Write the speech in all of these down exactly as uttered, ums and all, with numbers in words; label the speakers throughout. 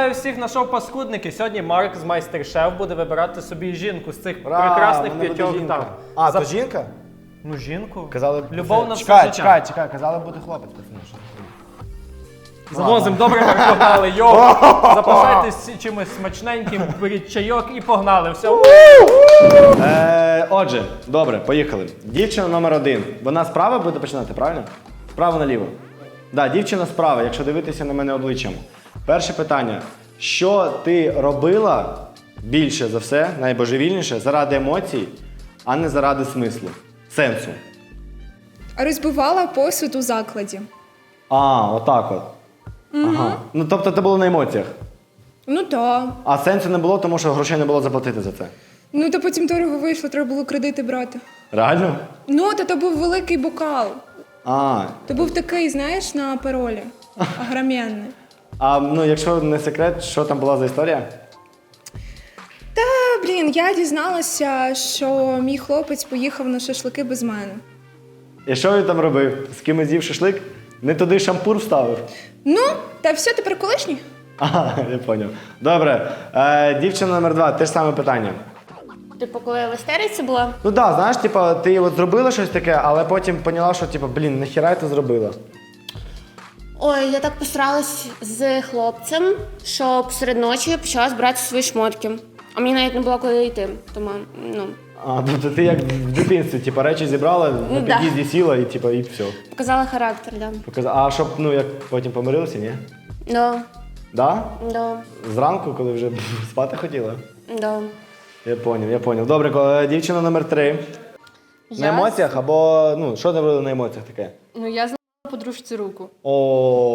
Speaker 1: Вітаю всіх на шоу Паскудники. Сьогодні Марк з Майстер-Шеф буде вибирати собі жінку з цих
Speaker 2: Ура,
Speaker 1: прекрасних
Speaker 2: мене буде
Speaker 1: п'ятьох
Speaker 2: жінка.
Speaker 1: там.
Speaker 2: А,
Speaker 1: За-
Speaker 2: то жінка?
Speaker 1: Ну, жінку.
Speaker 2: Казали,
Speaker 1: Любов на все
Speaker 2: чекай,
Speaker 1: життя.
Speaker 2: чекай, чекай, казали буде хлопець, пацани. що ти?
Speaker 1: Завозим, добре, Марк, погнали. Йоу, запасайтесь чимось смачненьким, беріть чайок і погнали. Все.
Speaker 2: Е, отже, добре, поїхали. Дівчина номер один. Вона справа буде починати, правильно? Справа наліво. Так, да, дівчина справа, якщо дивитися на мене обличчям. Перше питання. Що ти робила більше за все, найбожевільніше, заради емоцій, а не заради смислу, сенсу?
Speaker 3: Розбивала посуд у закладі.
Speaker 2: А, отак от. Ага. Ну, тобто це було на емоціях.
Speaker 3: Ну то.
Speaker 2: А сенсу не було, тому що грошей не було заплатити за це.
Speaker 3: Ну то потім дорого вийшло, треба було кредити брати.
Speaker 2: Реально?
Speaker 3: Ну, то, то був великий бокал.
Speaker 2: А,
Speaker 3: То був такий, знаєш, на паролі. Огроменний.
Speaker 2: а ну, якщо не секрет, що там була за історія?
Speaker 3: Та, блін, я дізналася, що мій хлопець поїхав на шашлики без мене.
Speaker 2: І що він там робив? З кимось з'їв шашлик? Не туди шампур вставив?
Speaker 3: Ну, та все, тепер колишній?
Speaker 2: Ага, я поняв. Добре. Е, дівчина номер два, те ж саме питання.
Speaker 4: Типу, коли я в істериці була,
Speaker 2: Ну так, да, знаєш, типа, ти от зробила щось таке, але потім поняла, що типа, блін, нахіра ти зробила?
Speaker 4: ой, я так посралась з хлопцем, що посеред ночі я почала збирати свої шмотки. А мені навіть не було куди йти. Тому, ну,
Speaker 2: А, тобто ти як в дитинстві, типа, речі зібрала, на
Speaker 4: Ну, да.
Speaker 2: під'їзді сіла і типа, і все.
Speaker 4: показала характер, да.
Speaker 2: Показала. А щоб, ну, як потім помирилися, ні?
Speaker 4: Да,
Speaker 2: Да?
Speaker 4: да,
Speaker 2: Зранку, коли вже спати хотіла?
Speaker 4: да.
Speaker 2: Я поняв, я поняв. Добре, ко- дівчина номер три. На
Speaker 5: Я
Speaker 2: емоціях або, ну, що ти робила на емоціях таке?
Speaker 5: Ну, я зламала подружці руку.
Speaker 2: О,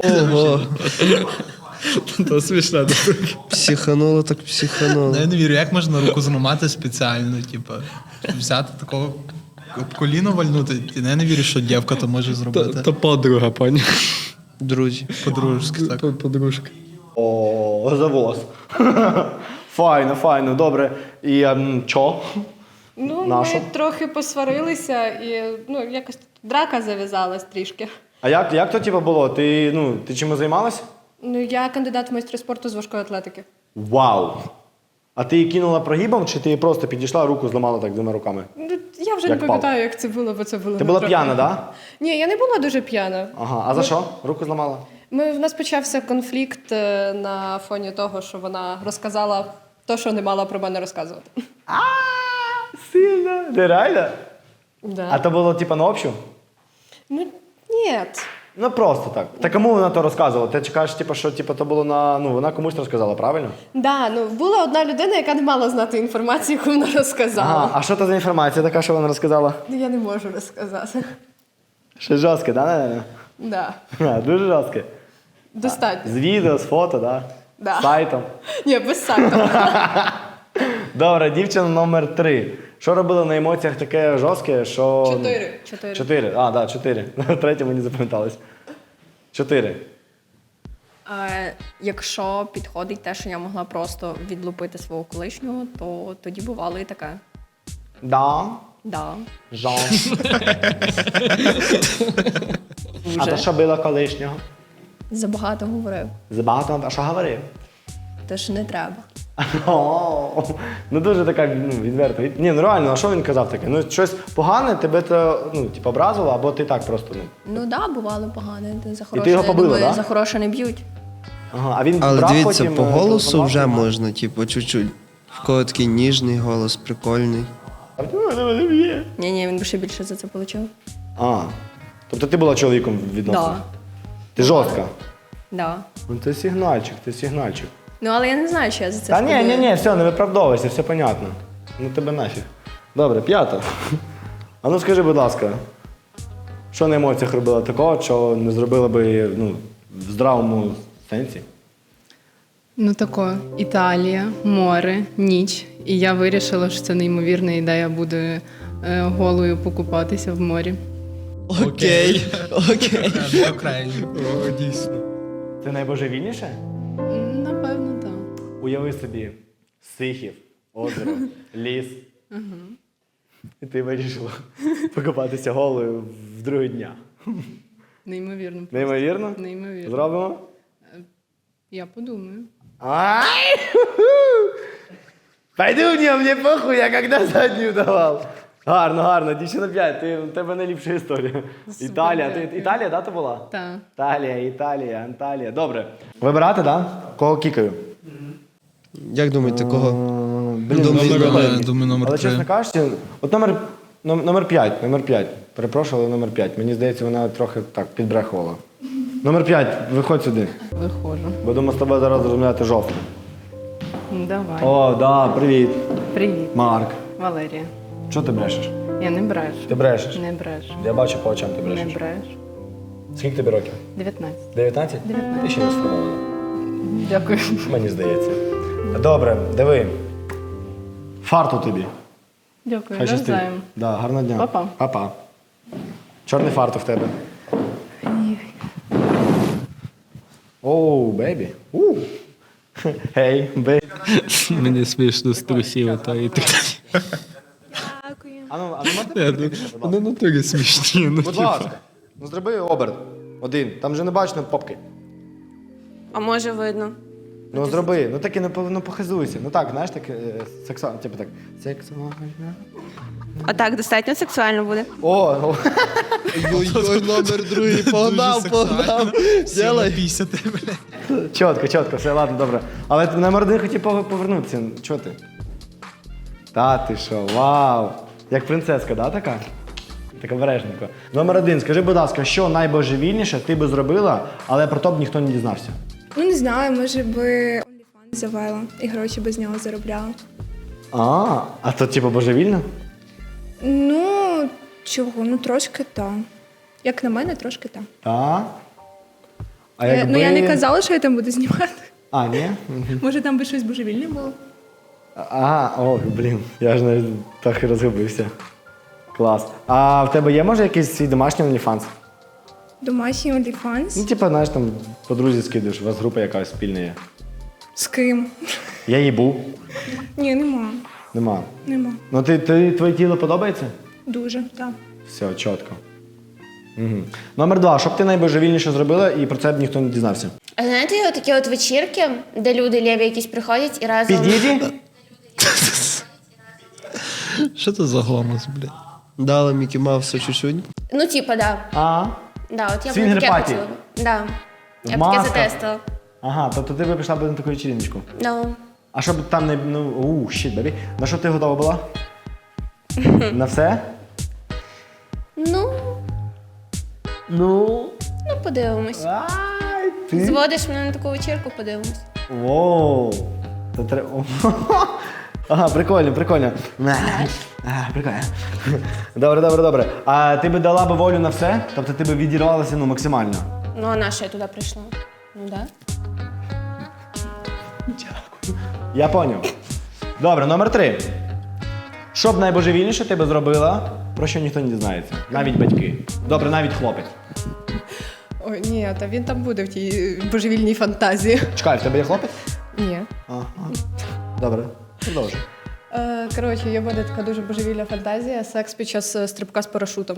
Speaker 6: То смішно.
Speaker 7: Психануло, так психануло.
Speaker 6: Ну, я не вірю, як можна руку зламати спеціально, типу, взяти такого об коліно вальнути. Я не вірю, що дівка то може зробити.
Speaker 7: То подруга, пані. Друзі.
Speaker 6: Подружки, так.
Speaker 7: Подружка.
Speaker 2: о, завоз. Файно, файно, добре. І ем, чо?
Speaker 5: Ну,
Speaker 2: Нашу?
Speaker 5: ми трохи посварилися і ну, якось драка зав'язалась трішки.
Speaker 2: А як, як то типу, було? Ти, ну, ти чимось займалась?
Speaker 5: Ну, я кандидат в майстри спорту з важкої атлетики.
Speaker 2: Вау! А ти її кинула прогибом, чи ти просто підійшла, руку зламала так двома руками?
Speaker 5: Ну, я вже
Speaker 2: Як
Speaker 5: не пам'ятаю, як це було, бо це було.
Speaker 2: Ти
Speaker 5: ну,
Speaker 2: була
Speaker 5: трохи.
Speaker 2: п'яна, так? Да?
Speaker 5: Ні, я не була дуже п'яна.
Speaker 2: Ага. А за що? Руку зламала?
Speaker 5: Ми, в нас почався конфлікт е, на фоні того, що вона розказала те, що не мала про мене розказувати.
Speaker 2: А, сильно. Ти реально?
Speaker 5: Да.
Speaker 2: А то було типу на общу?
Speaker 5: Ну, ні.
Speaker 2: Ну просто так. Та кому вона то розказувала? Ти чекаєш, типу, що типу, то було на. Ну, вона комусь розказала, правильно?
Speaker 5: Да, ну, була одна людина, яка не мала знати інформацію, яку вона розказала.
Speaker 2: Ага, а що це за інформація така, що вона розказала?
Speaker 5: Ну, я не можу розказати.
Speaker 2: Щось жорстке, да, наверное?
Speaker 5: Да.
Speaker 2: А, дуже жорстке.
Speaker 5: Достатньо.
Speaker 2: З відео, з фото, да?
Speaker 5: Да.
Speaker 2: З сайтом.
Speaker 5: Ні, без сайту.
Speaker 2: Добре, дівчина номер три. Що робила на емоціях таке жорстке, що. ну,
Speaker 5: Чотири. Чотири.
Speaker 2: Чотири. А, так, да, чотири. Третє мені запам'яталось. Чотири.
Speaker 8: Е, якщо підходить те, що я могла просто відлупити свого колишнього, то тоді бувало і таке.
Speaker 2: Да.
Speaker 8: Да.
Speaker 2: Жон. А то що було колишнього?
Speaker 8: Забагато говорив.
Speaker 2: Забагато, а що говорив?
Speaker 8: Те, що не треба.
Speaker 2: О, ну дуже така, ну, відверта. Ні, ну реально, а що він казав таке? Ну, щось погане, тебе то, ну, типу, образило, або ти так просто, ну.
Speaker 8: Ну да, бувало погане. За
Speaker 2: ти
Speaker 8: хороше,
Speaker 2: його
Speaker 8: я
Speaker 2: побила,
Speaker 8: думаю,
Speaker 2: да?
Speaker 8: за хороше не б'ють.
Speaker 2: Ага, а він
Speaker 7: Але
Speaker 2: брав
Speaker 7: дивіться,
Speaker 2: потім,
Speaker 7: по
Speaker 2: е,
Speaker 7: голосу
Speaker 2: телефонував,
Speaker 7: вже
Speaker 2: да?
Speaker 7: можна, типу, чуть-чуть. В кого такий ніжний голос, прикольний.
Speaker 8: Ні, ні, він би ще більше за це отримав.
Speaker 2: А, тобто ти була чоловіком відносно?
Speaker 8: Да.
Speaker 2: Ти жорстка?
Speaker 8: Да.
Speaker 2: Ну ти сигнальчик, ти сигнальчик.
Speaker 8: Ну, але я не знаю, що я за це
Speaker 2: Та ні,
Speaker 8: спробую.
Speaker 2: ні, ні, все, не виправдовуйся, все понятно. Ну тебе нафіг. Добре, п'ята. А ну скажи, будь ласка, що на емоціях робила такого, що не зробила би, ну, в здравому сенсі?
Speaker 9: Ну тако, Італія, море, ніч. І я вирішила, що це неймовірна ідея буде е, голою покупатися в морі.
Speaker 7: Окей, окей.
Speaker 6: Окей.
Speaker 7: О, дійсно.
Speaker 2: Це найбожевільніше?
Speaker 9: Напевно, так.
Speaker 2: Уяви собі, Сихів, озеро, ліс. І ти вирішила покупатися голою в другий дня.
Speaker 9: Неймовірно. просто.
Speaker 2: Неймовірно?
Speaker 9: Неймовірно.
Speaker 2: Зробимо?
Speaker 9: Я подумаю.
Speaker 2: Ай! Пойду в нього, мені похуй, я когда задню давав. Гарно, гарно, дівчина п'ять, ти, у тебе найліпша історія. Італія, ти, Італія, да, ти була?
Speaker 9: Так.
Speaker 2: Італія, Італія, Анталія. Добре. Вибирати, да? Кого кікаю?
Speaker 7: Як думаєте, кого?
Speaker 2: Блін,
Speaker 7: Думаю,
Speaker 2: номер-
Speaker 7: номер-
Speaker 6: Я думаю, номер
Speaker 2: Але
Speaker 6: три.
Speaker 2: чесно кажучи, от номер, ном- номер п'ять, номер п'ять. Перепрошую, але номер п'ять. Мені здається, вона трохи так підбрехувала. Номер п'ять, виходь сюди.
Speaker 9: Виходжу.
Speaker 2: Будемо з тобою зараз розмовляти жовтим.
Speaker 9: Ну, давай.
Speaker 2: О, да, привіт.
Speaker 9: Привіт,
Speaker 2: Марк.
Speaker 9: Валерія.
Speaker 2: Чого ти брешеш?
Speaker 9: Я не брешу.
Speaker 2: Ти брешеш?
Speaker 9: Не брешу.
Speaker 2: Я бачу по очам, ти
Speaker 9: Не
Speaker 2: брешеш.
Speaker 9: брешу.
Speaker 2: Скільки тобі років?
Speaker 9: дев'ятнадцять.
Speaker 2: дев'ятнадцять? Ти ще не сформована.
Speaker 9: Дякую.
Speaker 2: Мені здається. Добре, диви. Фарту тобі.
Speaker 9: Дякую.
Speaker 2: Хай щастить.
Speaker 9: Навзаєм.
Speaker 2: Да, гарного дня.
Speaker 9: Па-па.
Speaker 2: Па-па. Чорний фарту в тебе. Оу, бейбі. У. Гей, бейбі.
Speaker 1: Мені смішно з трусів та і так.
Speaker 3: Дякую.
Speaker 2: А ну, а ну можна
Speaker 6: Я
Speaker 2: підійти, будь
Speaker 6: Вони
Speaker 2: ласка?
Speaker 6: натурі смішні. Ну,
Speaker 2: Будь ласка. Ну зроби оберт. Один. Там же не бачно попки.
Speaker 4: А може видно?
Speaker 2: Ну зроби. Ну так і не по- ну, похизуйся. Ну так, знаєш, так е, сексуально. Типу так. Сексуально.
Speaker 4: А так достатньо сексуально буде.
Speaker 2: О, о.
Speaker 7: Ой-ой, номер другий, погнав, погнав. Ділай.
Speaker 6: Після тебе, блядь.
Speaker 2: Чітко, чітко, все, ладно, добре. Але ти номер один хотів пов- повернутися. Чого ти? Та ти що, вау. Як принцеска, да, така? Так обережненько. Номер один, скажи, будь ласка, що найбожевільніше ти би зробила, але про то б ніхто не дізнався?
Speaker 3: Ну не знаю, може би OnlyFans завела і гроші без нього заробляла.
Speaker 2: А, а то типу божевільно?
Speaker 3: Ну, чого? Ну трошки так. Як на мене, трошки так.
Speaker 2: Так. А
Speaker 3: Я-
Speaker 2: якби...
Speaker 3: Ну я не казала, що я там буду знімати.
Speaker 2: А, ні? Мгм.
Speaker 3: Може там би щось божевільне було?
Speaker 2: А, о, блін, я ж навіть трохи розгубився. Клас. А в тебе є, може, якийсь свій домашній OnlyFans?
Speaker 3: Домашній
Speaker 2: Ну,
Speaker 3: OnlyFans?
Speaker 2: типу, знаєш, там по друзі скидуєш, у вас група якась спільна є.
Speaker 3: З ким?
Speaker 2: Я їй був.
Speaker 3: Ні, нема.
Speaker 2: Нема.
Speaker 3: Нема.
Speaker 2: Ну ти, ти твоє тіло подобається?
Speaker 3: Дуже, так.
Speaker 2: Все, чітко. Угу. Номер два. Що б ти найбожевільніше зробила і про це б ніхто не дізнався?
Speaker 4: А знаєте, є такі от вечірки, де люди ліві якісь приходять і разом.
Speaker 2: Під'їді?
Speaker 6: Що це за гомос, блядь?
Speaker 7: Дала Мікі Мауса чуть-чуть.
Speaker 4: Ну, типа, да.
Speaker 2: А.
Speaker 4: Да, от я б
Speaker 2: Свінгер
Speaker 4: таке
Speaker 2: паті.
Speaker 4: хотіла. Да. Я б
Speaker 2: Маска.
Speaker 4: таке затестила.
Speaker 2: Ага, тобто ти би пішла б на таку вечірничку.
Speaker 4: Да.
Speaker 2: А щоб там не. Ну, у, щит, бебі. На що ти готова була? На все?
Speaker 4: Ну,
Speaker 2: Ну.
Speaker 4: ну подивимось.
Speaker 2: Ай, ти.
Speaker 4: Зводиш мене на таку вечірку, подивимось.
Speaker 2: Воу. Це треба. Ага, прикольно, прикольно. А, прикольно. Добре, добре, добре. А ти би дала би волю на все? Тобто ти би відірвалася ну, максимально?
Speaker 4: Ну, а на що я туди прийшла? Ну, да.
Speaker 2: Я поняв. Добре, номер три. Що б найбожевільніше ти би зробила, про що ніхто не дізнається? Навіть батьки. Добре, навіть хлопець.
Speaker 5: Ой, ні, та він там буде в тій божевільній фантазії.
Speaker 2: Чекай, в тебе є хлопець?
Speaker 5: Ні.
Speaker 2: Ага. Добре, продовжуй.
Speaker 5: Е, коротше, є в мене така дуже божевільна фантазія. Секс під час е, стрибка з парашутом.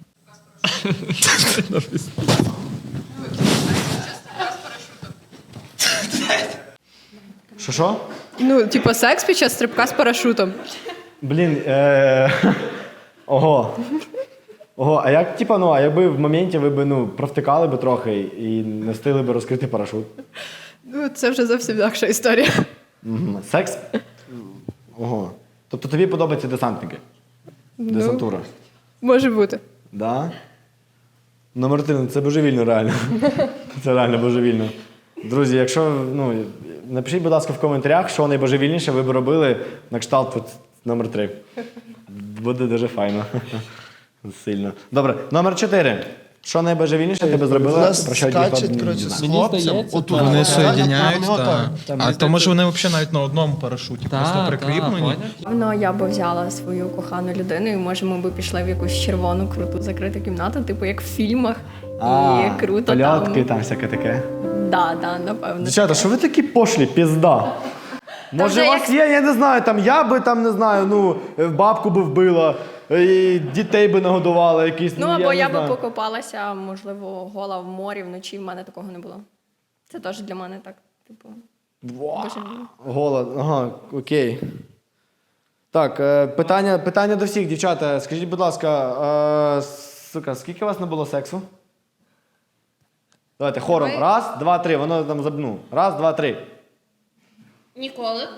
Speaker 2: Що що?
Speaker 5: Ну, типу, секс під час стрибка з парашутом.
Speaker 2: Блін, е... Ого. Ого, а як, типа, ну, а якби в моменті ви б, ну, провтикали би трохи і не встигли би розкрити парашут?
Speaker 5: Ну, це вже зовсім інакша історія.
Speaker 2: Мгм. Секс? Ого. Тобто тобі подобаються десантники? Десантура?
Speaker 5: Може бути.
Speaker 2: Да? Ну, Мартин, це божевільно реально. Це реально божевільно. Друзі, якщо, ну, напишіть, будь ласка, в коментарях, що найбожевільніше ви б робили на кшталт от номер три. Буде дуже файно. Сильно. Добре, номер чотири. Що найбожевільніше ти би
Speaker 7: У
Speaker 2: зробила,
Speaker 7: нас
Speaker 2: про що ніхто
Speaker 7: скачуть,
Speaker 2: не
Speaker 7: коротше, з
Speaker 2: дізнався?
Speaker 7: хлопцем. Отут.
Speaker 6: Вони
Speaker 7: Так,
Speaker 6: соєдиняють,
Speaker 7: так,
Speaker 6: так.
Speaker 7: так.
Speaker 6: А то може вони взагалі навіть на одному парашуті, просто прикріплені.
Speaker 8: Ну, я би взяла свою кохану людину, і може ми б пішли в якусь червону круту закриту кімнату, типу як в фільмах.
Speaker 2: А,
Speaker 8: І круто
Speaker 2: польотки,
Speaker 8: там.
Speaker 2: там всяке таке.
Speaker 8: Да, да, напевно.
Speaker 2: Дівчата, що ви такі пошлі, пізда? Може,
Speaker 4: вже
Speaker 2: у вас є, я не знаю, там я би там не знаю, ну, бабку би вбила, і дітей би нагодувала якісь.
Speaker 8: Ну, або
Speaker 2: не
Speaker 8: я би
Speaker 2: знаю.
Speaker 8: покопалася, можливо, гола в морі вночі, в мене такого не було. Це теж для мене так Типу,
Speaker 2: Голод, ага, окей. Так, е, питання, питання до всіх, дівчата. Скажіть, будь ласка, е, сука, скільки у вас не було сексу? Давайте хором.
Speaker 3: Давай.
Speaker 2: Раз, два, три. Воно там забну. Раз, два, три.
Speaker 4: Ніколи.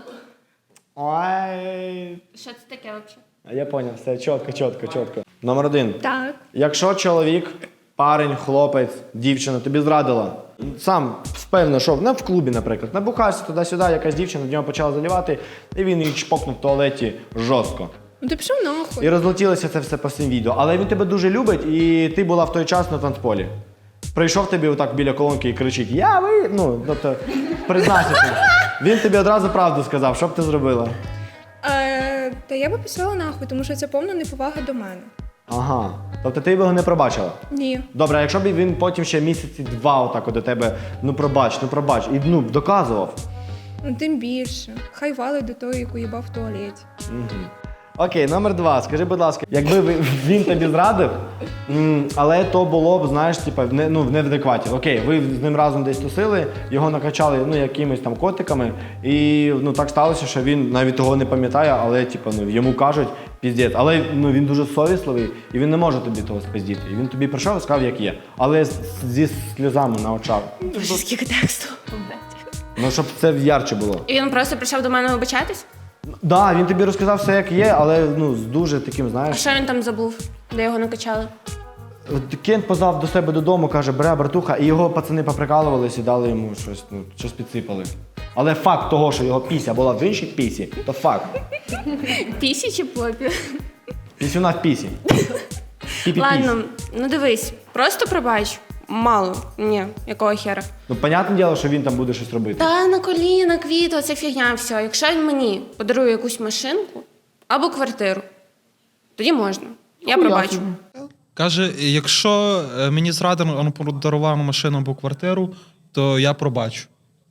Speaker 2: Ой.
Speaker 4: Що це таке взагалі?
Speaker 2: Я поняв, все чітко, чітко, чітко. Номер один.
Speaker 3: Так.
Speaker 2: Якщо чоловік, парень, хлопець, дівчина тобі зрадила, сам впевнено, що не в клубі, наприклад, набухався туди-сюди, якась дівчина в нього почала заливати, і він її чпокнув в туалеті жорстко.
Speaker 3: Ну ти пішов нахуй.
Speaker 2: І розлетілося це все по всім відео. Але він тебе дуже любить, і ти була в той час на танцполі. Прийшов тобі отак біля колонки і кричить: я ви. Ну, тобто, признайся. ти. Він тобі одразу правду сказав, що б ти зробила?
Speaker 3: Е, та я би пішла нахуй, тому що це повна неповага до мене.
Speaker 2: Ага. Тобто ти б його не пробачила?
Speaker 3: Ні.
Speaker 2: Добре, а якщо б він потім ще місяці два отак от до тебе, ну пробач, ну пробач, і ну, доказував.
Speaker 3: Ну тим більше. Хай валить до того, яку їбав в туалеті.
Speaker 2: Окей, номер два. Скажи, будь ласка, якби ви- він тобі зрадив, м, але то було б, знаєш, типа, в не, ну, в неадекваті. Окей, ви з ним разом десь тусили, його накачали ну, якимись там котиками, і ну, так сталося, що він навіть того не пам'ятає, але типа, ну, йому кажуть піздець. Але ну, він дуже совісливий, і він не може тобі того спиздіти. І він тобі прийшов і сказав, як є. Але з- зі сльозами на очах.
Speaker 4: Боже, скільки тексту.
Speaker 2: Ну, щоб це ярче було.
Speaker 4: І він просто прийшов до мене вибачатись?
Speaker 2: Так, да, він тобі розказав все, як є, але ну, з дуже таким,
Speaker 4: А
Speaker 2: знаєш.
Speaker 4: що він там забув, де його накачали?
Speaker 2: От Кент позвав до себе додому, каже, бре, братуха, і його пацани поприкалувались і дали йому щось, ну, щось підсипали. Але факт того, що його піся була в іншій пісі, то факт.
Speaker 4: Пісі чи попі?
Speaker 2: Пісюна в пісі. Пі-пі-пісь.
Speaker 4: Ладно, ну дивись, просто пробач. Мало. Ні, якого хера.
Speaker 2: Ну, понятне діло, що він там буде щось робити.
Speaker 4: Та на коліна, квіти, оце фігня, все. Якщо він мені подарує якусь машинку або квартиру, тоді можна. Я пробачу.
Speaker 6: Каже, якщо е, мені зрадив, він подарував машину або квартиру, то я пробачу.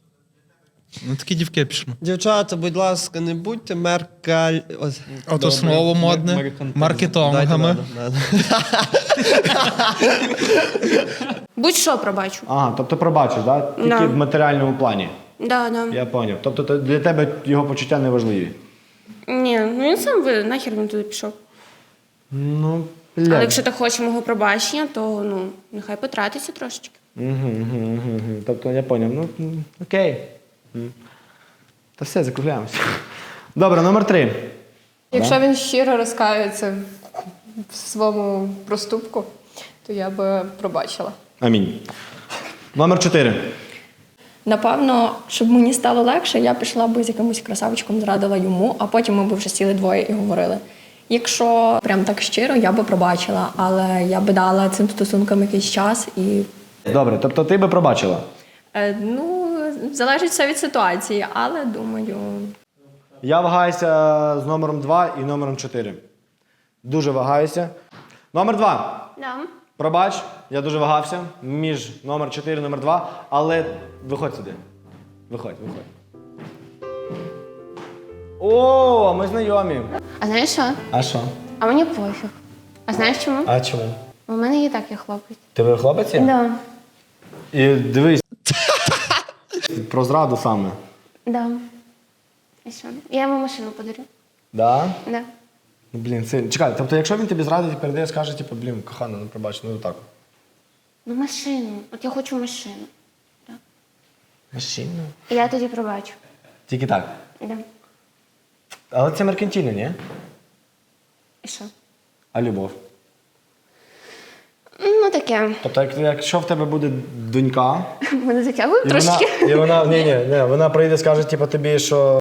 Speaker 6: Ну, такі дівки пішли.
Speaker 7: Дівчата, будь ласка, не будьте меркаль... Ось,
Speaker 6: Ото
Speaker 7: добре.
Speaker 6: слово модне,
Speaker 7: Меркантилізм.
Speaker 6: маркетологами.
Speaker 7: Дайте, ладно, ладно.
Speaker 4: Будь-що пробачу.
Speaker 2: Ага, тобто пробачиш, да? Тільки
Speaker 4: Да.
Speaker 2: в матеріальному плані.
Speaker 4: Да, да.
Speaker 2: Я зрозумів. Тобто то для тебе його почуття не важливі.
Speaker 4: Ні, ну він сам ви нахер він туди пішов.
Speaker 2: Ну,
Speaker 4: Але
Speaker 2: бля.
Speaker 4: якщо ти хочеш мого пробачення, то ну нехай потратиться трошечки.
Speaker 2: Угу, угу, угу, угу. Тобто я зрозумів. Ну, м, окей. М. Та все, закругляємося. Добре, номер три.
Speaker 5: Якщо він щиро розкаюється в своєму проступку, то я би пробачила.
Speaker 2: Амінь. Номер чотири.
Speaker 8: Напевно, щоб мені стало легше, я пішла би з якимось красавчиком, зрадила йому, а потім ми б вже сіли двоє і говорили. Якщо прям так щиро, я би пробачила, але я би дала цим стосункам якийсь час і
Speaker 2: Добре, тобто ти би пробачила.
Speaker 8: е, ну, залежить все від ситуації, але думаю,
Speaker 2: Я вагаюся з номером два і номером чотири. Дуже вагаюся. Номер два.
Speaker 4: Да.
Speaker 2: Пробач, я дуже вагався між номер чотири і номер два, але виходь сюди. Виходь, виходь. О, ми знайомі.
Speaker 4: А знаєш що?
Speaker 2: А що?
Speaker 4: А мені пофіг. А знаєш чому?
Speaker 2: А чому?
Speaker 4: У мене і так є хлопець.
Speaker 2: Ти хлопець є?
Speaker 4: Да.
Speaker 2: І дивись. Про зраду саме.
Speaker 4: Да. І що? Я йому машину подарю.
Speaker 2: Да?
Speaker 4: Да.
Speaker 2: Ну, блін, це... Чекай, тобто якщо він тобі зрадить і передає, скаже, типу, блін, кохана, ну пробач, ну так.
Speaker 4: Ну машину. От я хочу машину.
Speaker 2: Машину?
Speaker 4: І я тоді пробачу.
Speaker 2: Тільки так.
Speaker 4: Да.
Speaker 2: Але це меркантильно, ні?
Speaker 4: І що?
Speaker 2: А любов?
Speaker 4: Ну таке.
Speaker 2: Тобто, як- якщо в тебе буде донька,
Speaker 4: Мене затягує
Speaker 2: і вона,
Speaker 4: трошечки.
Speaker 2: і вона, ні, ні, ні, вона прийде, скаже, типу, тобі, що...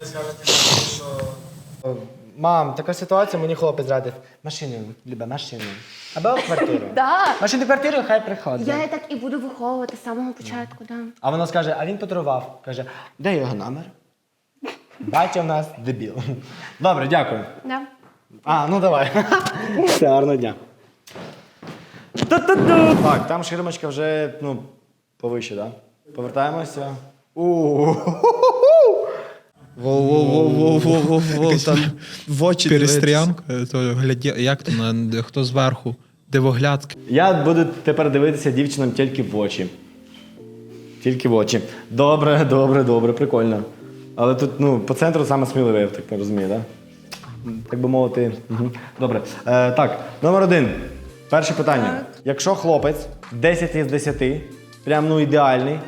Speaker 2: Мам, така ситуація, мені хлопець зрадив. Машину, любе, машину. Або квартиру.
Speaker 4: Да.
Speaker 2: Машину, квартиру, хай приходить.
Speaker 4: Я і так і буду виховувати з самого початку, да.
Speaker 2: А вона скаже, а він подарував. Каже, де його номер? Батя в нас дебіл. Добре, дякую.
Speaker 4: Да.
Speaker 2: А, ну давай. Все, гарного дня. Ту-ту-ту. Так, там ширмочка вже, ну, повище, так? Да? Повертаємося. У-у-у.
Speaker 7: Воу-воу-воу-воу-воу-воу, там в очі дивитися.
Speaker 6: Перестрянка, то гляді, як то на хто зверху, дивоглядки.
Speaker 2: Я буду тепер дивитися дівчинам тільки в очі. Тільки в очі. Добре, добре, добре, прикольно. Але тут, ну, по центру саме сміливий, я так не розумію, так? Да? Так би мовити. Угу. Добре. Е, так, номер один. Перше питання.
Speaker 3: Так.
Speaker 2: Якщо хлопець десять із десяти, прям ну ідеальний,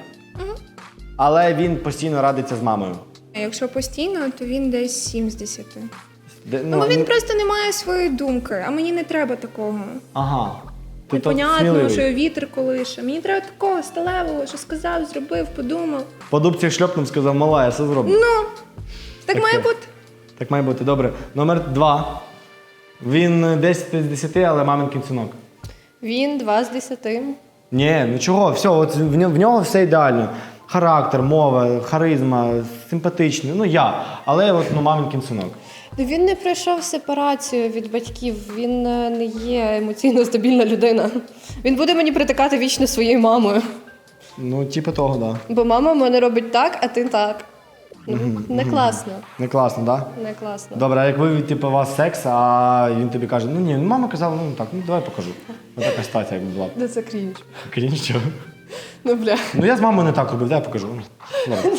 Speaker 2: але він постійно радиться з мамою.
Speaker 3: А якщо постійно, то він десь сім з десяти.
Speaker 2: Де,
Speaker 3: Ну, бо він просто не має своєї думки, а мені не треба такого.
Speaker 2: Ага. Ти
Speaker 3: Непонятно,
Speaker 2: сміливий.
Speaker 3: що вітер колише. Мені треба такого сталевого, що сказав, зробив, подумав.
Speaker 2: По дубці шльопнув, сказав, мала, я все зроблю.
Speaker 3: Ну, так
Speaker 2: Таке.
Speaker 3: має бути.
Speaker 2: Так має бути. Добре. Номер два. Він десять з десяти, але мамин кінцінок.
Speaker 5: Він два з десяти.
Speaker 2: Ні, ну чого, все, от в нього, в нього все ідеально. Характер, мова, харизма, симпатичний, ну я. Але от ну, мамин кінцінок.
Speaker 5: Ну, він не пройшов сепарацію від батьків, він е, не є емоційно стабільна людина. Він буде мені притикати вічно своєю мамою.
Speaker 2: Ну, типу того, так. Да.
Speaker 5: Бо мама в мене робить так, а ти так. Ну, не класно.
Speaker 2: Не класно, так? Да?
Speaker 5: Не класно.
Speaker 2: Добре, а як ви, типу, у вас секс, а він тобі каже, ну ні, ну мама казала, ну так, ну давай покажу. Ну така стаття, як була.
Speaker 5: Де це крінж?
Speaker 2: Крінж, чого?
Speaker 5: Ну, бля.
Speaker 2: Ну я з мамою не так робив, дай я покажу. Добре.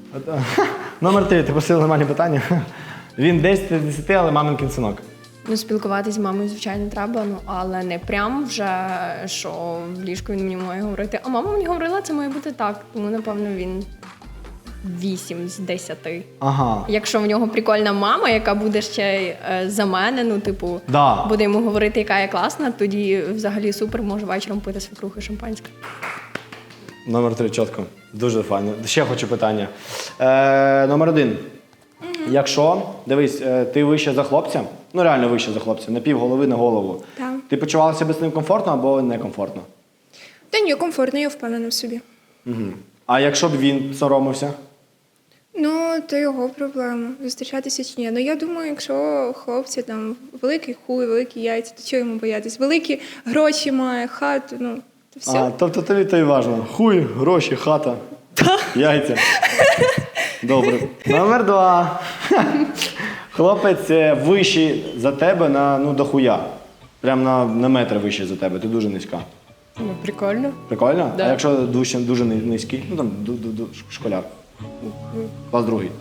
Speaker 2: Номер три, ти просив нормальні питання. Він десять з десяти, але мамин кінцінок.
Speaker 8: Ну, спілкуватись з мамою, звичайно, треба, ну але не прям вже, що в ліжку він мені має говорити. А мама мені говорила, це має бути так. Тому, напевно, він вісім з десяти.
Speaker 2: Ага.
Speaker 8: Якщо в нього прикольна мама, яка буде ще й е, за мене, ну, типу,
Speaker 2: Да.
Speaker 8: буде йому говорити, яка я класна, тоді взагалі супер, може вечором пити свекрухи шампанське.
Speaker 2: Номер три, чітко. Дуже файно. Ще хочу питання. Е, номер один. Якщо, дивись, е, ти вище за хлопця, ну реально вище за хлопця, на пів голови на голову.
Speaker 3: Так.
Speaker 2: Ти почувалася себе з ним комфортно або некомфортно?
Speaker 3: Та ні, комфортно, я впевнена в собі.
Speaker 2: Угу. А якщо б він соромився?
Speaker 3: Ну, то його проблема. Зустрічатися чи ні. Ну, я думаю, якщо хлопці там великий хуй, великі яйця, то чого йому боятись? Великі гроші має, хату, ну, то все.
Speaker 2: А, тобто тобі то й важливо. Хуй, гроші, хата, яйця. Добре. Номер два. Хлопець е, вищий за тебе на, ну, дохуя. Прям на, на метр вищий за тебе, ти дуже низька.
Speaker 5: Ну, прикольно.
Speaker 2: Прикольно?
Speaker 5: Да.
Speaker 2: А якщо дуже, дуже ни- низький? Ну там ду- ду- ду- школяр. Клас другий.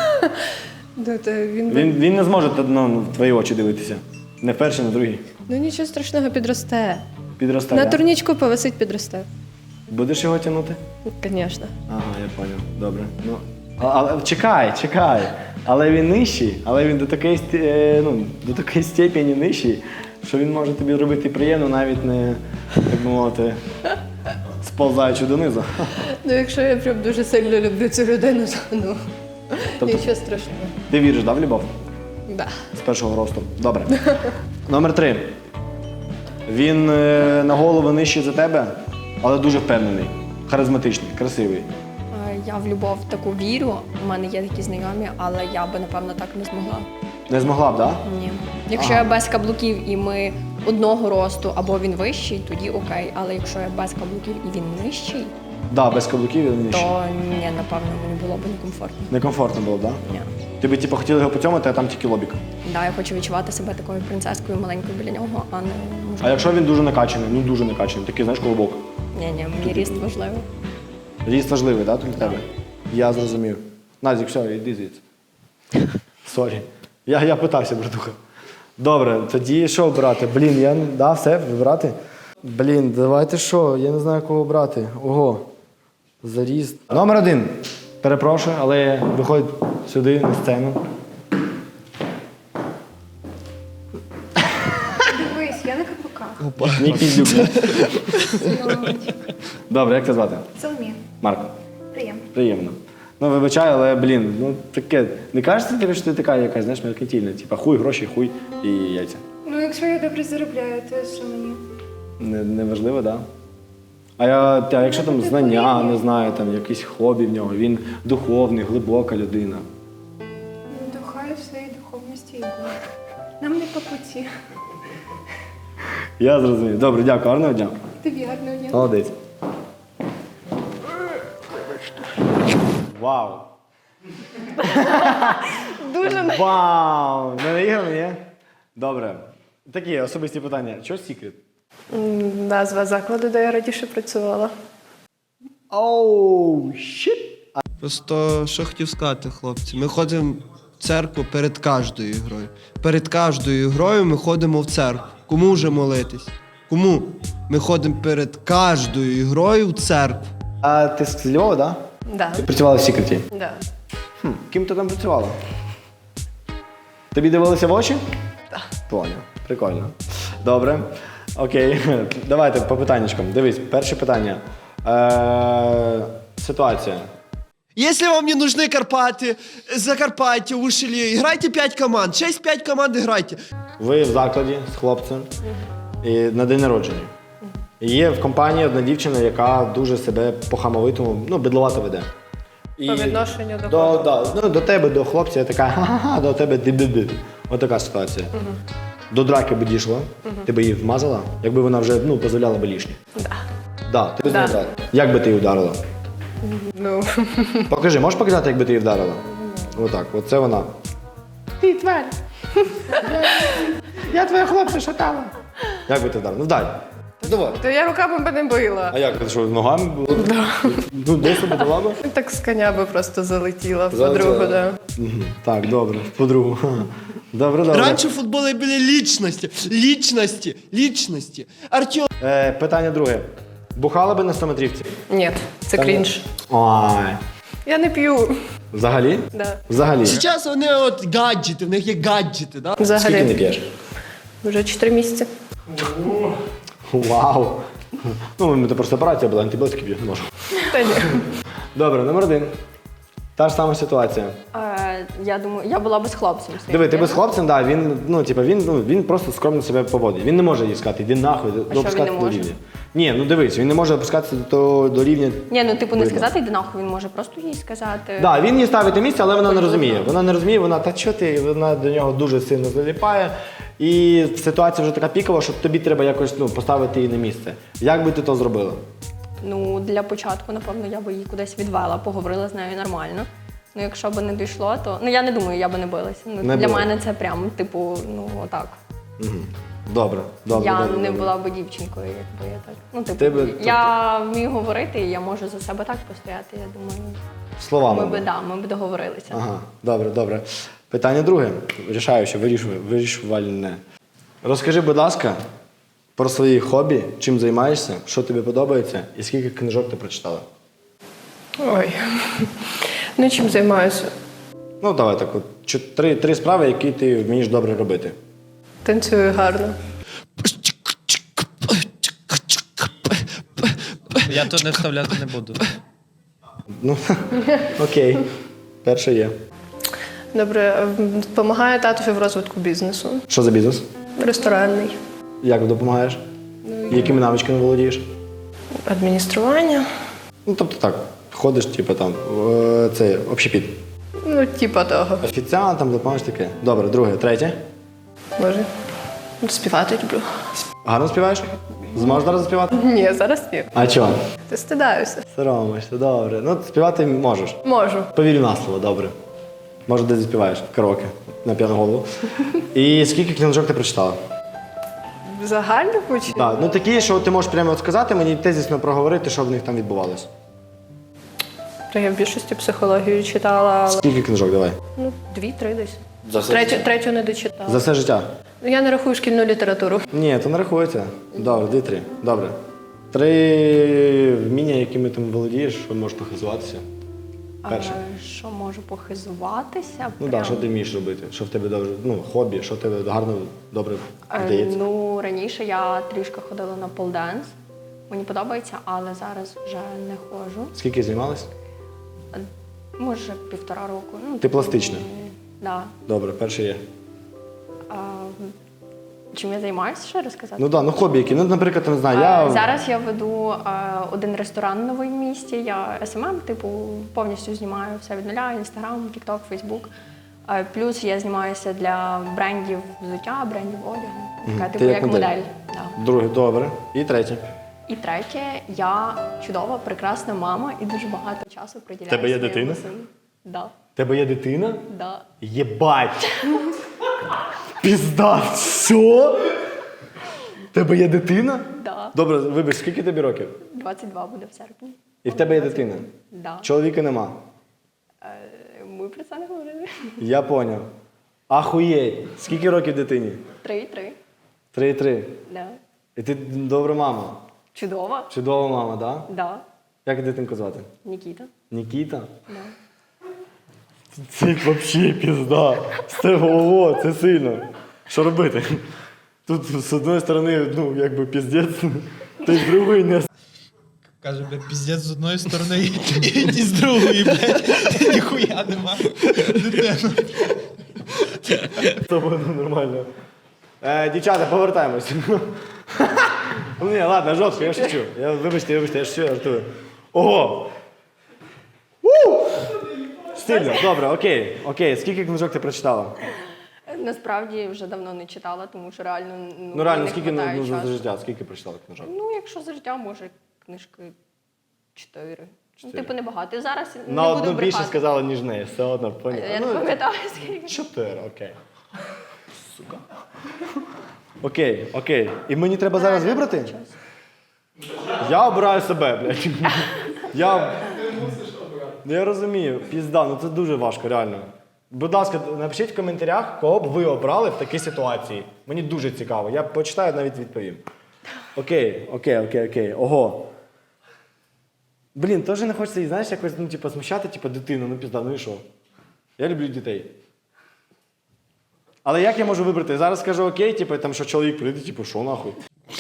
Speaker 5: Да, то він...
Speaker 2: Він, він не зможе ну, в твої очі дивитися. Не в перший, не в другий.
Speaker 5: Ну нічого страшного, підросте.
Speaker 2: Підросте.
Speaker 5: На
Speaker 2: да?
Speaker 5: турнічку повисить, підросте.
Speaker 2: Будеш його тягнути?
Speaker 5: Звісно.
Speaker 2: Ага, я поняв. Добре. Ну, а, але чекай, чекай. Але він нижчий, але він до такої, сті- е, ну, до такої степені нижчий, що він може тобі робити приємно, навіть не, так би мовити, сповзаючи донизу.
Speaker 5: Ну, якщо я прям дуже сильно люблю цю людину, то ну,
Speaker 2: Тобто-
Speaker 5: нічого страшного.
Speaker 2: Ти віриш, да, в любов?
Speaker 5: Да.
Speaker 2: З першого росту. Добре. Номер три. Він е, на голову нижчий за тебе, але дуже впевнений, харизматичний, красивий.
Speaker 8: Е, Я в любов таку вірю, у мене є такі знайомі, але я би, напевно, так не змогла.
Speaker 2: Не змогла б, так? Да?
Speaker 8: Ні. Якщо я без каблуків і ми одного росту, або він вищий, тоді окей. Але якщо я без каблуків і він нижчий,
Speaker 2: Да, без каблуків він нижчий.
Speaker 8: то ні, напевно, мені було б некомфортно.
Speaker 2: Некомфортно було, так? Да?
Speaker 8: Ні.
Speaker 2: Ти би типу, хотіла його поцьомати, а там тільки лобік.
Speaker 8: Да, я хочу відчувати себе такою принцескою маленькою біля нього, а не
Speaker 2: А
Speaker 8: можливо.
Speaker 2: якщо він дуже накачаний, ну дуже накачаний, такий, знаєш, колобок.
Speaker 8: Ні, ні, мені ріст важливий.
Speaker 2: Ріст важливий, так, да, для тебе? Я зрозумів. Назік, все, йди звідси. Сорі. Я, я питався, братуха. Добре, тоді що обрати? Блін, я да, все, вибирати? Блін, давайте що? Я не знаю, кого обрати. Ого. Заріст. Номер один. Перепрошую, але виходь сюди, на сцену.
Speaker 3: Дивись, я на каблуках.
Speaker 2: Мій піздюк. Добре, як тебе звати?
Speaker 3: Соломія.
Speaker 2: Марко.
Speaker 3: Приємно.
Speaker 2: Приємно. Ну, вибачай, але, блін, ну таке. Не кажеться тобі, що ти така якась, знаєш, меркантильна? Типа хуй, гроші, хуй і яйця.
Speaker 3: Ну, якщо я добре заробляю, то що мені?
Speaker 2: Не, не важливо, так? Да? А, я, а якщо там знання, не знаю, там якісь хобі в нього, він духовний, глибока людина.
Speaker 3: Ну, то хай в своїй духовності і буде. Нам не по путі.
Speaker 2: Я зрозумів. Добре, дякую, гарного дня.
Speaker 3: Тобі гарного дня.
Speaker 2: Молодець. Вау. Дуже вау! Не наіграно, ні? Добре. Такі особисті питання. Чого секрет?
Speaker 5: Назва закладу, де я раніше працювала.
Speaker 2: Оу, щит.
Speaker 7: Просто що хотів сказати, хлопці, ми ходимо в церкву перед кожною грою. Перед кожною грою ми ходимо в церкву. Кому вже молитись? Кому? Ми ходимо перед кожною грою в церкву.
Speaker 2: А ти з Львова, да?
Speaker 5: Да.
Speaker 2: Ти працювала в Сікреті?
Speaker 5: Да.
Speaker 2: Хм, ким ти там працювала? Тобі дивилися в очі? Так. Поняв. Прикольно. Добре. Окей. Давайте по питаннячкам. Дивись, перше питання. Е- ситуація.
Speaker 7: Если вам не нужны Карпаты, Закарпаття, Ушелі, грайте п'ять команд. шість-п'ять команд грайте.
Speaker 2: Ви в закладі з хлопцем і на день народження. І є в компанії одна дівчина, яка дуже себе по-хамовитому, ну, бедловато веде. І
Speaker 5: По відношенню до
Speaker 2: до, да, ну, до тебе, до хлопця, я така ха-ха-ха, до тебе ди-ди-ди. Ось така ситуація. Угу. До драки би дійшла, угу. Ти би її вмазала, якби вона вже ну, дозволяла би лишнє.
Speaker 5: Да.
Speaker 2: Да, ти б з
Speaker 5: Да.
Speaker 2: нею грала. Як би ти її вдарила?
Speaker 5: Ну,
Speaker 2: Покажи, можеш показати, як би ти її вдарила? Отак, оце вона. Ти тварь! Я твоя хлопця шатала. Як би ти вдарила? Ну вдай. Давай.
Speaker 5: то я руками би не била.
Speaker 2: А як ти що, ногами було? Да. Ну, десь би дала би?
Speaker 5: Так з коня би просто залетіла в
Speaker 2: Залетіла.
Speaker 5: подругу, да.
Speaker 2: Мгм. Так, добре, подругу. Добре, добре.
Speaker 7: Раніше в футболі були лічності, лічності, лічності. Артем.
Speaker 2: Е, питання друге. Бухала би на стометрівці?
Speaker 5: Ні, це
Speaker 2: Та ні.
Speaker 5: крінж.
Speaker 2: Ой.
Speaker 5: Я не п'ю.
Speaker 2: Взагалі?
Speaker 5: Да.
Speaker 2: Взагалі.
Speaker 7: Зараз вони от гаджети, в них є гаджети, да?
Speaker 2: Скільки не
Speaker 5: Взагалі.
Speaker 2: п'єш?
Speaker 5: Вже чотири місяці.
Speaker 2: Вау. Ну, у мене просто операція була, антибіотики п'ю, не можу.
Speaker 5: Та ні.
Speaker 2: Добре, номер один. Та ж сама ситуація.
Speaker 8: Е, я думаю, я була би з хлопцем.
Speaker 2: Диви, ти без хлопцем, да, він, ну, типа, він, ну, він просто скромно себе поводить. Він не може їй сказати, іди нахуй,
Speaker 8: він
Speaker 2: опускатися
Speaker 8: не
Speaker 2: до
Speaker 8: може?
Speaker 2: рівня. Ні, ну дивись, він не може опускатися до, до рівня.
Speaker 8: Ні, ну типу не
Speaker 2: Видно.
Speaker 8: сказати йди нахуй, він може просто їй сказати.
Speaker 2: Да, він їй ставить на місце, але вона не розуміє. Вона не розуміє, вона та що ти, вона до нього дуже сильно заліпає. І ситуація вже така пікова, що тобі треба якось ну, поставити її на місце. Як би ти то зробила?
Speaker 8: Ну, для початку, напевно, я би її кудись відвела, поговорила з нею нормально. Ну, якщо б не дійшло, то. Ну, я не думаю, я би не билася. Ну,
Speaker 2: Не
Speaker 8: для
Speaker 2: била.
Speaker 8: мене це прям, типу, ну, отак.
Speaker 2: Угу. Добре, добре.
Speaker 8: я
Speaker 2: добре,
Speaker 8: не
Speaker 2: добре.
Speaker 8: була б дівчинкою, якби я так. Ну, типу,
Speaker 2: Ти би, тобто-
Speaker 8: я вмію говорити, і я можу за себе так постояти. Я думаю,
Speaker 2: Словами.
Speaker 8: ми би, да, ми б договорилися.
Speaker 2: Ага, добре, добре. Питання друге. Рішаюче, вирішує, вирішувальне. Розкажи, будь ласка, про свої хобі, чим займаєшся, що тобі подобається і скільки книжок ти прочитала?
Speaker 5: Ой. Ну, чим займаюся?
Speaker 2: Ну, давай так, от, чо- три, три справи, які ти вмієш добре робити.
Speaker 5: Танцюю гарно.
Speaker 6: Я тут не вставляти не буду.
Speaker 2: Ну, окей. Перше є.
Speaker 5: Добре, допомагаю татові в розвитку бізнесу.
Speaker 2: Що за бізнес?
Speaker 5: Ресторанний.
Speaker 2: Як допомагаєш? Якими навичками володієш?
Speaker 5: Адміністрування.
Speaker 2: Ну, тобто так, ходиш, типу там, е, це общепіт.
Speaker 5: Ну, типа того.
Speaker 2: Офіціантам допомагаєш таке. Добре, друге, третє.
Speaker 5: Може. Співати люблю.
Speaker 2: Гарно співаєш? Зможеш зараз заспівати?
Speaker 5: Ні, зараз ні.
Speaker 2: А чого?
Speaker 5: Ти стидаюся.
Speaker 2: Соромишся, добре. Ну, співати можеш.
Speaker 5: Можу.
Speaker 2: Повірю на слово, добре. Може, десь заспіваєш в караоке на п'яну голову. І скільки книжок ти прочитала?
Speaker 5: Загально хоч?
Speaker 2: Так, ну такі, що ти можеш прямо от сказати, мені тезісно проговорити, що в них там відбувалося.
Speaker 5: То я в більшості психологію читала, але
Speaker 2: Скільки книжок, давай?
Speaker 5: ну, дві-три десь.
Speaker 2: За все
Speaker 5: Третю,
Speaker 2: життя?
Speaker 5: третю не дочитала.
Speaker 2: За все життя?
Speaker 5: Ну, я не рахую шкільну літературу.
Speaker 2: Ні, то не рахується. Добре, дві-три. Добре. Три вміння, якими ти володієш, що можеш похизуватися. Перше.
Speaker 8: А, що можу похизуватися?
Speaker 2: Ну так,
Speaker 8: Прям.
Speaker 2: да, що ти вмієш робити? Що в тебе добре, ну, хобі, що в тебе гарно, добре
Speaker 8: Е,
Speaker 2: вдається?
Speaker 8: Ну, раніше я трішки ходила на полденс. Мені подобається, але зараз вже не ходжу.
Speaker 2: Скільки займалась?
Speaker 8: Може, півтора року. Ну,
Speaker 2: Ти пластична?
Speaker 8: Так. Да.
Speaker 2: Добре, перше є.
Speaker 8: А, чим я займаюся, ще розказати?
Speaker 2: Ну так, да, ну хобі які. Ну, наприклад, не знаю,
Speaker 8: Е,
Speaker 2: я...
Speaker 8: Зараз я веду е, один ресторан новий в місті. Я ес ем ем, типу, повністю знімаю все від нуля: Інстаграм, Тікток, Фейсбук. Е, Плюс я знімаюся для брендів взуття, брендів одягу. Така,
Speaker 2: Мгм.
Speaker 8: типу,
Speaker 2: Ти як
Speaker 8: як
Speaker 2: модель?
Speaker 8: модель. Да.
Speaker 2: Друге, добре. І третє.
Speaker 8: І третє, я чудова, прекрасна мама і дуже багато часу приділяю.
Speaker 2: Тебе є
Speaker 8: своєму
Speaker 2: дитина?
Speaker 8: сину. Да,
Speaker 2: Тебе є дитина?
Speaker 8: да.
Speaker 2: Єбать! Пізда, все? Тебе є дитина?
Speaker 8: Да.
Speaker 2: Добре, вибач, скільки тобі років?
Speaker 8: двадцять два буде в серпні.
Speaker 2: І в тебе є дитина.
Speaker 8: Да.
Speaker 2: Чоловіка нема.
Speaker 8: Ми про це не говорили.
Speaker 2: Я поняв. Ахуєть. Скільки років дитині?
Speaker 8: Три-три.
Speaker 2: Три-три.
Speaker 8: Да.
Speaker 2: І ти добра мама.
Speaker 8: Чудово.
Speaker 2: Чудова мама, так? Да?
Speaker 8: Да.
Speaker 2: Як дитинку звати?
Speaker 8: Нікіта.
Speaker 2: Нікіта?
Speaker 8: Да.
Speaker 2: Це взагалі пізда. З тебе, ого, це сильно. Що робити? Тут з одної сторони, ну, якби піздець, ти з другої не.
Speaker 6: Каже, бля, піздець з одної сторони і, і з другої, блядь. Ніхуя нема. Дитина.
Speaker 2: Це буде нормально. Е, дівчата, повертаємось. Ну, ні, ладно, жорстко, я шучу. Я, вибачте, вибачте, я шучу, я жартую. Ого! У! Стильно, добре, окей, окей. Скільки книжок ти прочитала?
Speaker 8: Насправді вже давно не читала, тому що реально ну,
Speaker 2: Ну реально,
Speaker 8: не
Speaker 2: скільки ну,
Speaker 8: хватає
Speaker 2: ну, за
Speaker 8: часу.
Speaker 2: життя? Скільки прочитала книжок?
Speaker 8: Ну, якщо за життя, може, книжки чотири. Ну,
Speaker 2: Чотири.
Speaker 8: типу, небагато. І зараз
Speaker 2: На
Speaker 8: не
Speaker 2: одну
Speaker 8: буду
Speaker 2: більше
Speaker 8: брехати.
Speaker 2: сказала, ніж неї, все одно, поняла.
Speaker 8: Я не
Speaker 2: Ну,
Speaker 8: пам'ятаю, скільки.
Speaker 2: чотири, окей. Сука. Окей, окей. І мені треба зараз вибрати? Я обираю себе, блядь. Я... Я розумію, пізда, ну це дуже важко, реально. Будь ласка, напишіть в коментарях, кого б ви обрали в такій ситуації. Мені дуже цікаво. Я почитаю, навіть відповім. Окей, окей, окей, окей. Ого. Блін, теж не хочеться, знаєш, якось, ну, типу, смущати, типу, дитину, ну пізда, ну і що? Я люблю дітей. Але як я можу вибрати? Зараз скажу окей, типу, там, що чоловік прийде, типу, що нахуй?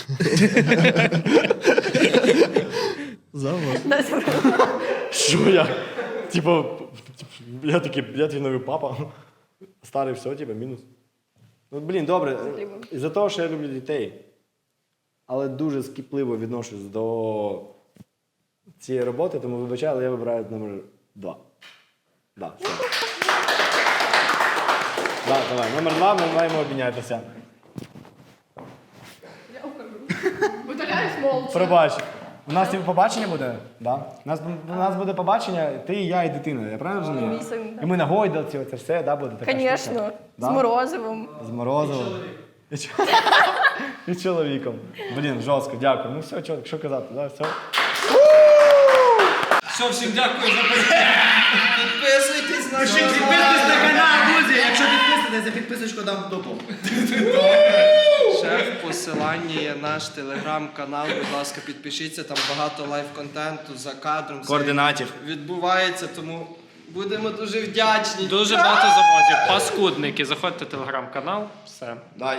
Speaker 7: Завод.
Speaker 2: Що я? Типу, я такий, я твій новий папа. Старий, все, типу, мінус. Ну, блін, добре. Із-за того, що я люблю дітей, але дуже скіпливо відношусь до цієї роботи, тому вибачаю, але я вибираю номер два. Да, все. Да, давай, номер два, ми маємо обмінятися. Пробач. У нас типу, побачення буде? Да. У нас, у нас буде побачення, ти, я і дитина, я правильно розумію?
Speaker 8: Мій син, да.
Speaker 2: І ми на гойдалці, оце все, да, буде така
Speaker 8: Звісно,
Speaker 2: штука?
Speaker 8: з
Speaker 2: Да?
Speaker 8: морозивом.
Speaker 2: З морозивом. І, чо- і чоловіком. Блін, жорстко, дякую. Ну все, чоловік, що казати, да, все.
Speaker 1: Все, всім дякую за перегляд.
Speaker 7: Підписуйтесь на
Speaker 10: Підписуйтесь на канал, друзі! Якщо підписуєтесь, за підписочку дам в дупу.
Speaker 7: Ще в посиланні є наш телеграм-канал. Будь ласка, підпишіться, там багато лайв-контенту за кадром. все
Speaker 10: Координатів.
Speaker 7: відбувається, тому будемо дуже вдячні.
Speaker 1: Дуже багато замовлень. Паскудники. Заходьте в телеграм-канал. Все.
Speaker 2: Да,